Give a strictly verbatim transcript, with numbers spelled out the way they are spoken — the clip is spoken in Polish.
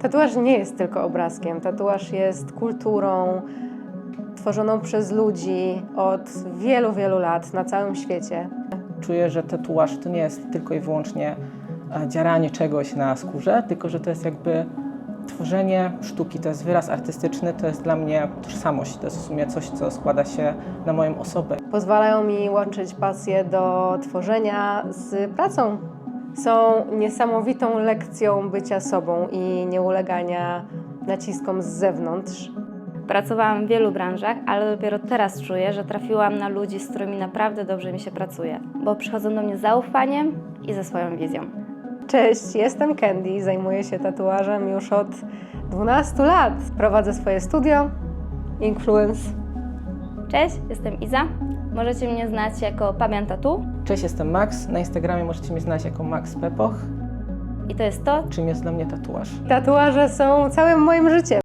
Tatuaż nie jest tylko obrazkiem. Tatuaż jest kulturą tworzoną przez ludzi od wielu, wielu lat na całym świecie. Czuję, że tatuaż to nie jest tylko i wyłącznie dzieranie czegoś na skórze, tylko że to jest jakby tworzenie sztuki, to jest wyraz artystyczny, to jest dla mnie tożsamość, to jest w sumie coś, co składa się na moją osobę. Pozwalają mi łączyć pasję do tworzenia z pracą. Są niesamowitą lekcją bycia sobą i nieulegania naciskom z zewnątrz. Pracowałam w wielu branżach, ale dopiero teraz czuję, że trafiłam na ludzi, z którymi naprawdę dobrze mi się pracuje, bo przychodzą do mnie z zaufaniem i ze swoją wizją. Cześć, jestem Candy, zajmuję się tatuażem już od dwunastu lat. Prowadzę swoje studio Influence. Cześć, jestem Iza. Możecie mnie znać jako Pabian Tattoo Cześć, jestem Max, na Instagramie możecie mnie znać jako Max Pepoch. i to jest to, Czym jest dla mnie tatuaż? Tatuaże są całym moim życiem.